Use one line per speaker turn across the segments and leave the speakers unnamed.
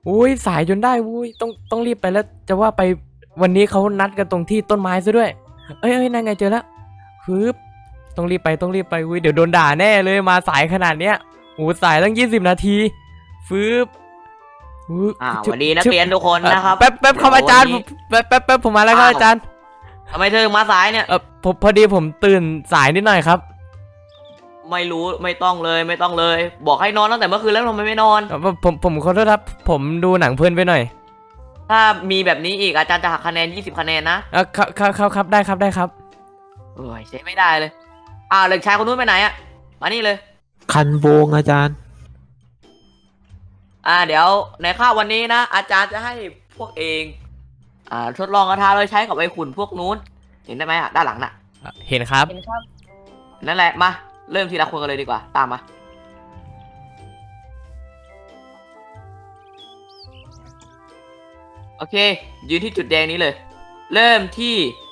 อุ้ยสายจนได้อุ้ยต้องรีบไปแล้วจะว่าไปวันนี้เขานัดกันตรงที่ต้นไม้ซะด้วยเอ้ยนั่นไงเจอแล้วฮึบต้องรีบไปอุ้ยเดี๋ยวโดนด่าแน่เลยมาสายขนาดเนี้ยโอ้สายตั้ง20 นาทีฟืบ
สวัสดีนักเรียนทุกคนนะครับ
แป๊บครับอาจารย์แป๊บผมมาแล้วครับอาจารย์
ทำไมเธอมาสายเนี่ย
ผมพอดีผมตื่นสายนิดหน่อยครับ
ไม่รู้ไม่ต้องเลยบอกให้นอนตั้งแต่เมื่อคืนแล้วทำไมไม่นอน
ผมขอโทษครับผมดูหนังเพลินไปหน่อย
ถ้ามีแบบนี้อีกอาจารย์จะหักคะแนน20 คะแนนนะครับ
ได้ครับ
โอ้ยใช้ไม่ได้เลยเด็กชายคนนู้นไปไหนอะมานี่เลย
คันโวงอาจารย์
เดี๋ยวในข้าววันนี้นะอาจารย์จะให้พวกเองทดลองกระทาโดยใช้กับไอ้ขุนพวกนู้นเห็นได้ไหมด้านหลังน่ะ
เห็นครับ
นั่นแหละมาเริ่มทีละคนกันเลยดีกว่าตามมาโอเคยืนที่จุดแดงนี้เลยเริ่มที่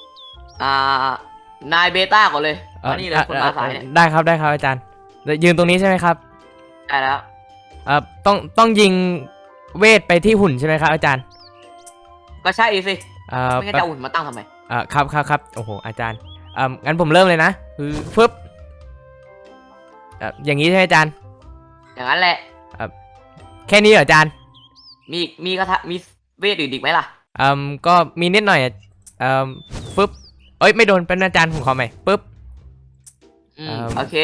นายเบต้าก่อนเลยมานี่เลยคนมาสายเนี่ย
ได้ครับอาจารย์ยืนตรงนี้ใช่ไหมครับ
ได้แล้ว
ต้องยิงเวทไปที่หุ่นใช่ไหมครับอาจารย์
ก็ใช่สิไม่งั้นจะหุ่นมาตั้งทำไม
ครับโอ้โหอาจารย์งั้นผมเริ่มเลยนะคือฟึบอย่างนี้ใช่ไหมอาจารย์
อย่างนั้นแหละ
แค่นี้เหรออาจารย์
มีกระทะมีเวทอื่นอีกไหมล่ะ
ก็มีนิดหน่อยฟึบเอ้ยไม่โดนเป็นอาจารย์ผมขอใหม่ปึ๊บ
โอเค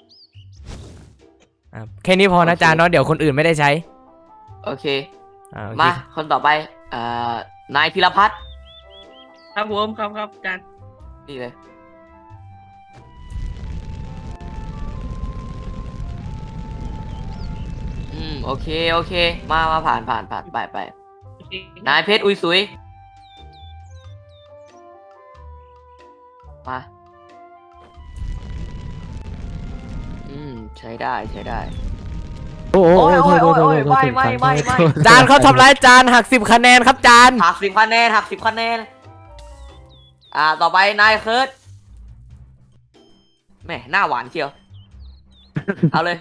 แค่นี้พอนะอาจารย์เนาะเดี๋ยวคนอื่นไม่ได้ใช้
โอเคมาคนต่อไปนายพิรพัฒน์
ครับผมครับอาจารย์
นี่เลยโอเคมาผ่านไปนายเพชรอุยสุยมาใช้ได้
โอ้ย
ไม่
จานเขาทำร้ายจานหัก10 คะแนนครับจาน
หัก10 คะแนนต่อไปนายเคิร์ดแม่หน้าหวานเชียวเอาเลย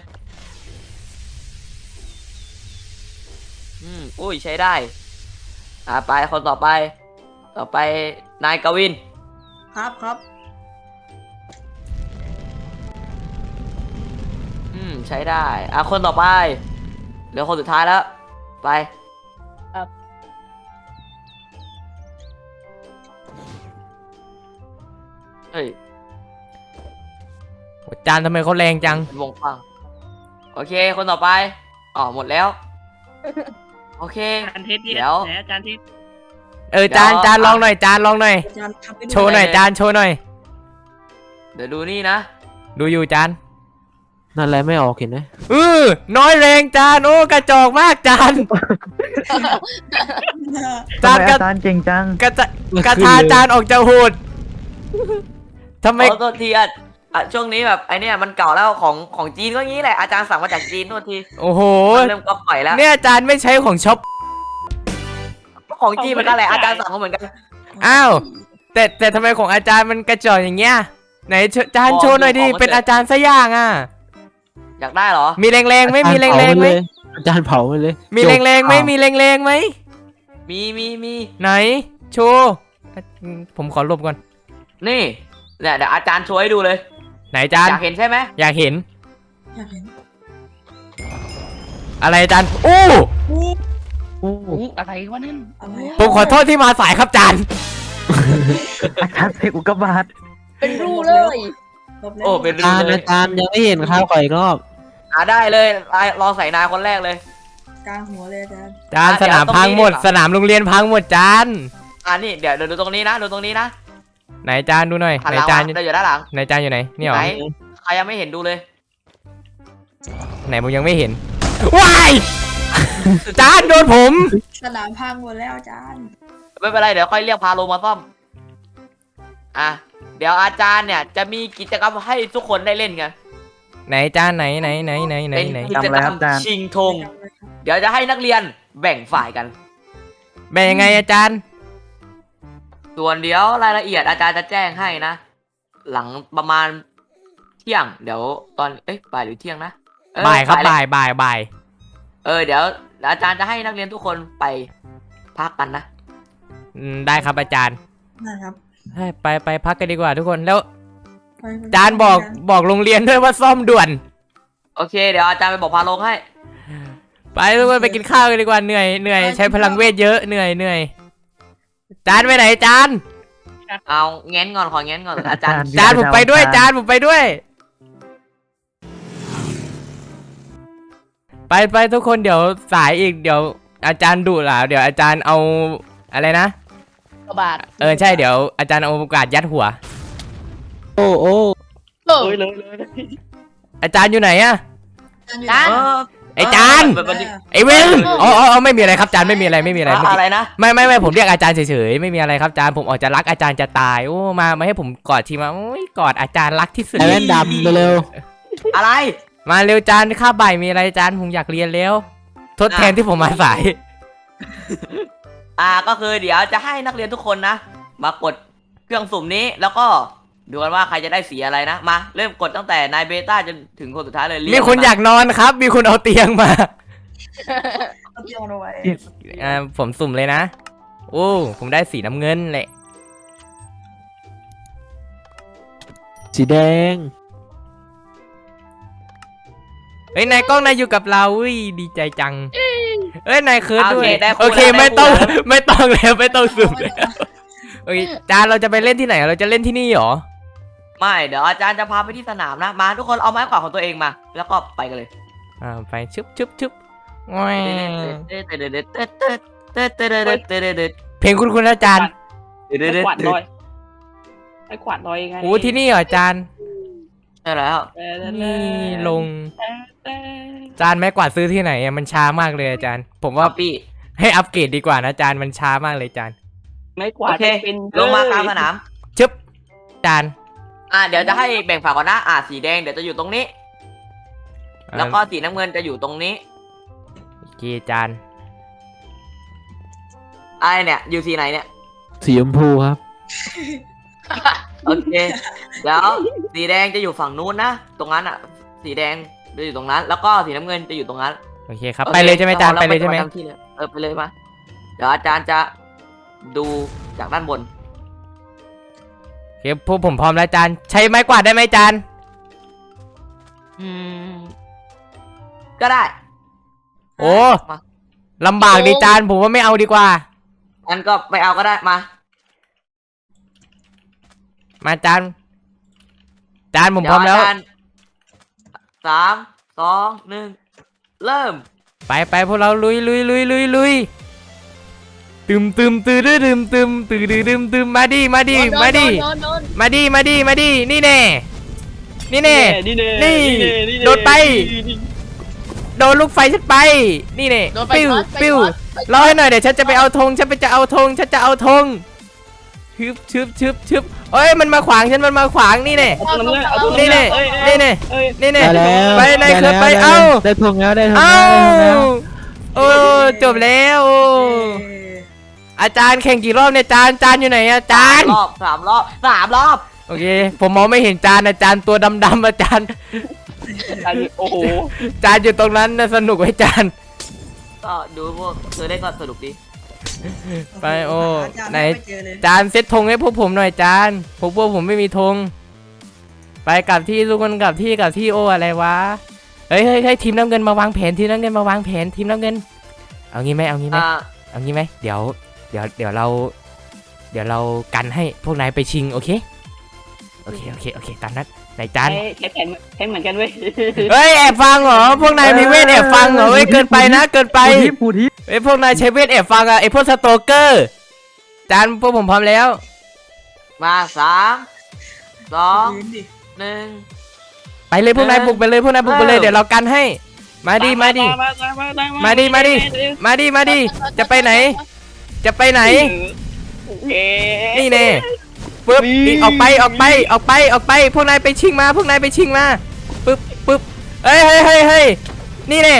อุ้ยใช้ได้ไปคนต่อไปนายกวิน
ครับ
ใช้ได้คนต่อไปเหลือคนสุดท้ายแล้วไป
ครับ
เฮ้ย
จานทำไมเขาแรงจัง
วงฟังโอเคคนต่อไปหมดแล้วโอเค
เดี๋ยวอาจารย์ทิศ
จานลองหน่อยโชว์หน่อยจานโชว์หน่อย
เดี๋ยวดูนี่นะ
ดูอยู่จาน
นั่นแหละไม่ออกเห็นไหม
น้อยแรงจานโอ้กระจอกมากจาน
อาจารย์เก่งจัง
กระทาจานออกจะโหดทำไม
ตัวทีช่วงนี้แบบไอเนี้ยมันเก่าแล้วของจีนก็งี้แหละอาจารย์สั่งมาจากจีนตัวที
โอ้โห
เริ่มก็ปล่อยแล้ว
เนี่ยอาจารย์ไม่ใช้ของช็อป
ของจีนมันก็แหละอาจารย์สั่งมาเหมือนกัน
อ้าวแต่ทำไมของอาจารย์มันกระจอกอย่างเงี้ยไหนจานโชว์หน่อยดิเป็นอาจารย์ซะอย่าง
อยากได้เหรอ
มีแรงๆไหมมีแรงๆไหม
อาจารย์เผาไปเลย
มีแรงๆไหมมีแรงๆไหม
มี
ไหนโชว์ผมขอลบก่อน
นี่เดี๋ยวอาจารย์โชว์ให้ดูเลย
ไหนอาจารย์
อยากเห็นใช่ไหม
อยากเห็นอะไรอาจารย์โอ้
อะไรวะนั่น
ผมขอโทษที่มาสายครับอาจารย์
อาจารย์เสกอุกกาบาต
เป็นรูเลย
เป็นรูเลย
อาจารย์ยังไม่เห็นข้าวขออีกรอบ
ได้เลยลองใส่นายคนแรกเลย
กลางหัวเลยอาจารย์
สนามพังหมดสนามโรงเรียนพังหมดจาน
นี่เดี๋ยวดูตรงนี้นะ
ไหนจานดูหน่อยไหนจาน
อยู่ด้านหลัง
ไหนจานอยู่ไหนนี่หรอ
ใครยังไม่เห็นดูเลย
ไหนผมยังไม่เห็นว้ายจานโดนผม
สนามพังหมดแล้วอาจารย์
ไม่เป็นไรเดี๋ยวค่อยเรียกพาโลมาซ่อมเดี๋ยวอาจารย์เนี่ยจะมีกิจกรรมให้ทุกคนได้เล่นกัน
ไหนจานไหน
เป็นกิจกรรมชิงธงเดี๋ยวจะให้นักเรียนแบ่งฝ่ายกัน
แบ่งยังไงอาจารย์
ส่วนเดี๋ยวรายละเอียดอาจารย์จะแจ้งให้นะหลังประมาณเที่ยงเดี๋ยวตอนบ่ายหรือเที่ยงนะ
บ่ายครับบ่าย
เดี๋ยวแล้วอาจารย์จะให้นักเรียนทุกคนไปพักกันนะ
ได้ครับอาจารย์
นะครับ
ให้ไปพักกันดีกว่าทุกคนแล้ว
ไป
อาจารย์บอกโรงเรียนด้วยว่าซ่อมด่วน
โอเค เดี๋ยวอาจารย์ไปบอกพาลงให้
ไปทุกคนไปกินข้าวกันดีกว่าเหนื่อยใช้พลังเวทเยอะเหนื่อยอาจารย์ไปไหนอาจารย์
เอาเง้นก่อนขอเง้นก่อนอาจารย์
อาจารย์ผมไปด้วยอาจารย์ผมไปด้วย ไปทุกคนเดี๋ยวสายอีกเดี๋ยวอาจารย์ดุเหรอเดี๋ยวอาจารย์เอาอะไรนะ
กระบาด
ใช่เดี๋ยวอาจารย์เอากาดยัดหัว
โอ้โอ้
เลย
อาจารย์อยู่ไหนอะ
จาน
ไอ้จาน ไอ้เวนอ๋อไม่มีอะไรครับอาจารย์ไม่มีอะไรเมื่อกี้
อะไรนะ
ไม่ผมเรียกอาจารย์เฉยๆไม่มีอะไรครับอาจารย์ผมออกจะรักอาจารย์จะตายโอ้มาให้ผมกอดทีมาโอ้ยกอดอาจารย์รักที่สุด
ไอ้แว่นดำเร็ว
อะไร
มาเร็วอาจารย์ค่าบ่ายมีอะไรอาจารย์ผมอยากเรียนแล้วทดแทนที่ผมมาสาย
ก็คือเดี๋ยวจะให้นักเรียนทุกคนนะ มากดเครื่องสุ่มนี้แล้วก็ดูกันว่าใครจะได้สีอะไรนะมาเริ่มกดตั้งแต่นายเบต้าจนถึงคนสุดท้ายเลย
มีคนอยากนอนครับ มีคนเอาเตียงมา
เอาเตียงเอาไว้
ผมสุ่มเลยนะโอ้ผมได้สีน้ำเงินแหละ
ๆสีแดง
เฮ้ยนายกล้องนายอยู่กับเราอุ้ยดีใจจังเอ้ยนายเคิร์ดด้วย
ได้
โอเคไม่ต้องแล้วไม่ต้องสุ่มแล้วโอเคอาจารย์เราจะไปเล่นที่ไหนเราจะเล่นที่นี่เหรอ
ไม่เดี๋ยวอาจารย์จะพาไปที่สนามนะมาทุกคนเอาไม้กวาดของตัวเองมา แล้วก็ไปกันเลย
ไปชึบแหวเพลงคุณอาจารย์
ขวาดลอยไอ้ขวาดลอยไง
โอ้ที่นี่เหรออาจารย์
ใช่แล้ว
นี่ลงอาจารย์ไม้กวาดซื้อที่ไหนอะมันช้ามากเลยอาจารย์ ผมว่า
พี่
ให้อัปเกรดดีกว่านะอาจารย์มันช้ามากเลยอาจารย์
ไม่ขวา
โอ
ด
เค
เป็น
ลงมากลางสนาม
ชึบอาจารย์
เดี๋ยวจะให้แบ่งฝั่งก่อนนะสีแดงเดี๋ยวจะอยู่ตรงนี้ แล้วก็สีน้ำเงินจะอยู่ตรงนี้
โอเคอาจารย์
ไอ้เนี่ยอยู่สีไหนเนี่ย
สีชมพูครับ
โอเคเดี๋ยวสีแดงจะอยู่ฝั่งนู้นนะตรงนั้นสีแดงจะอยู่ตรงนั้น แล้วก็สีน้ำเงินจะอยู่ตรงนั้น
โอเคครับไปเลยใช่ไหมอาจารย์ไปเลยใช่ไหม
ราปทำที่เลยไปเลยมาเดี๋ยวอาจารย์จะดูจากด้านบน
โอเคพวกผมพร้อมแล้วอาจารย์ใช้ไม้กวาดได้ไหมอาจารย์
ก็ได้
โอ้
มา
ลำบากดิอาจารย์ผมว่าไม่เอาดีกว่า
งั้นก็ไม่เอาก็ได้มา
มาอาจารย์อาจารย์ผมพร้อมแล้ว
เดี๋ยาจารย์3 2 1 เริ่ม
ไปพวกเราลุยตึมมาดินี่แน่นี่โดดไปโดนลูกไฟฉันไปนี่แน่ปิ้วรอให้หน่อยเดี๋ยวฉันจะไปเอาธงฉันจะเอาธงชึบเอ้ยมันมาขวางฉันมันมาขวางนี่แน่นี่แน่ไปไหนเคยไปเอ้า
ได้ทงแล้วได้ทง
เอ้า
แล้ว
โอ้จบแล้วโอ้อาจารย์แข่งกี่รอบเนี่ยอาจารย์อยู่ไหนอาจารย์
3 รอบ
โอเคผมมองไม่เห็นอาจารย์ตัวดำอาจารย์
โอ้โห
อาจารย์อยู่ตรงนั้นนะสนุกไหมอาจารย์
ก็ดูพวกเธอได้ก็สนุกดี
ไปโอ้ไหน
เจอเลย
อาจารย์เซตธงให้พวกผมหน่อยอาจารย์พวกผมไม่มีธงไปกลับที่ทุกคนกลับที่โออะไรวะเฮ้ยทีมน้ำเงินมาวางแผนทีมน้ำเงินเอางี้ไหมเดี๋ยวเรากันให้พวกนายไปชิงโอเคตามนั้นไหนจาน
ใช้แผนเหมือนกันเว้ย
เฮ้ยแอบฟังเหรอพวกนายมีเวทแอบฟังเหรอเฮ้ยเกินไปนะเกินไป
พูดทิพ
เฮ้ยพวกนายใช้เวทแอบฟังอะไอพวกสโตเกอร์จานพวกผมพร้อมแล้ว
มา3 2 1
ไปเลยพวกนายบุกไปเลยเดี๋ยวเรากันให้มาดิจะไปไหนนี่แน่ปึ๊บอีกออกไปพวกนายไปชิงมาปึ๊บเฮ้ยนี่แน่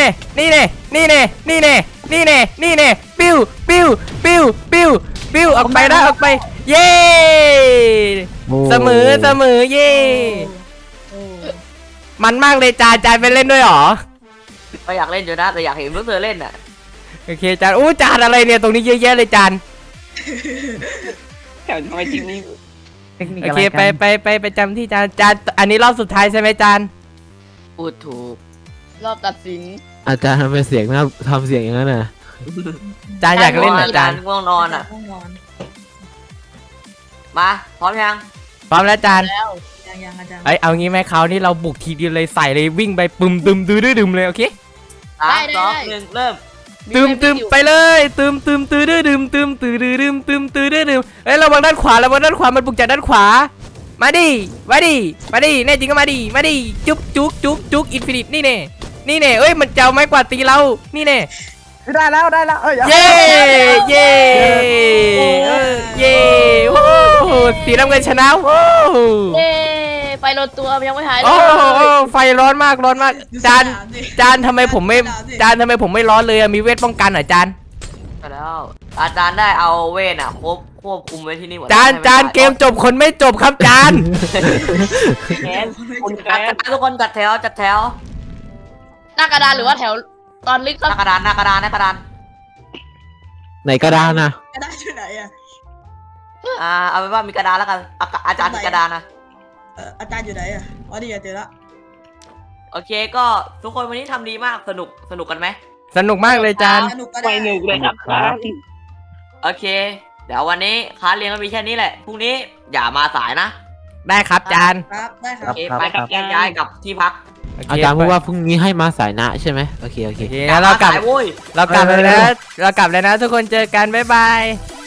ปิ้วออกไปเย้เสมอเย้มันมากเลยจานไปเล่นด้วยหรอ
ก็อยากเล่นอยู่นะแต่อยากเห็นพวกเธอเล่นอ่ะ
โอเคจานโอ้จานอะไรเนี่ยตรงนี้เยอะแยะเลยจาน
แถวทำไมทีมนี้
เทคนิค
โอ
อะไร
เค
กัน
ไปจำที่จานอันนี้รอบสุดท้ายใช่ไหมจาน
พูดถูก
รอบตัดสิน
อาจารย์ทำไมเสียงน่าทำเสียงอย่างนั้นน่ะ
จานอยากเล่นเหรอจาน
ง่วงนอนอ่ะ
ง่วงนอน
มาพร้อมยัง
พร้อมแล้วจาน
แล้วยังอาจารย์
เอ้ยเอางี้ไหมคราวนี้เราบุกทีเดียวเลยใส่เลยวิ่งไปปึมตึมดื้มเลยโอเค
สามสองหนึ่งเริ่ม
ตึมไปเลยตึมตื้อดื้มตึมตื้อดื้มตึมตื้อดื้มเอ้ยระวังด้านขวามันบุกจากด้านขวามาดิแน่จริงก็มาดิจุ๊กอินฟินิตนี่เน่เอ้ยมันจะเอาไม้กวาดตีเรานี่เน่
ได้แล้ว
เย้เย้โอ้โหสีน้ำเงินชนะโอ้โห
เย้ไฟลดตัวยังไม่หายเล
โอ้
ย
ไฟร้อนมากจานทำไมผมไม่ร้อนเลยอะมีเวทป้องกันเหรอจาน
ก็แล้วอาจารย์ได้เอาเวทอ่ะควบคุมไว้ที่นี่หมด
จานเกมจบคนไม่จบครับจาน
แค้นคน
จั
แค้
ด
น
ทุกคนจัดแถว
หน้ากระดานหรือว่าแถวตอนลึก
หน้ากระดาน
ไหนกระดานนะ
กระดาษอยู่ไหนอ่ะ
เอาเป็นว่ามีกระดานแล้วกันอาจารย์มีกระดานนะ
อาจารย์อยู่ไหนอ่ะอ๋อดีเจอละ
โอเคก็ทุกคนวันนี้ทำดีมากสนุกกันไหม
สนุกมากเลยจาน
สนุกก็
ไม่
ได้
หนึกเลยครับ
โอเค เดี๋ยววันนี้คลาสเรียนก็มีแค่นี้แหละพรุ่งนี้อย่ามาสายนะ
ได้ครับจาน
ครับได้ค
โอ
รับ
เคไปกับแยกย้ายกลับที่พัก
อาจารย์พูดว่าพรุ่งนี้ให้มาสายนะใช่ไหมโอเค
โอเคงั้นเรากลับ
สายโว้ย
เลยนะทุกคนเจอกันบ๊ายบาย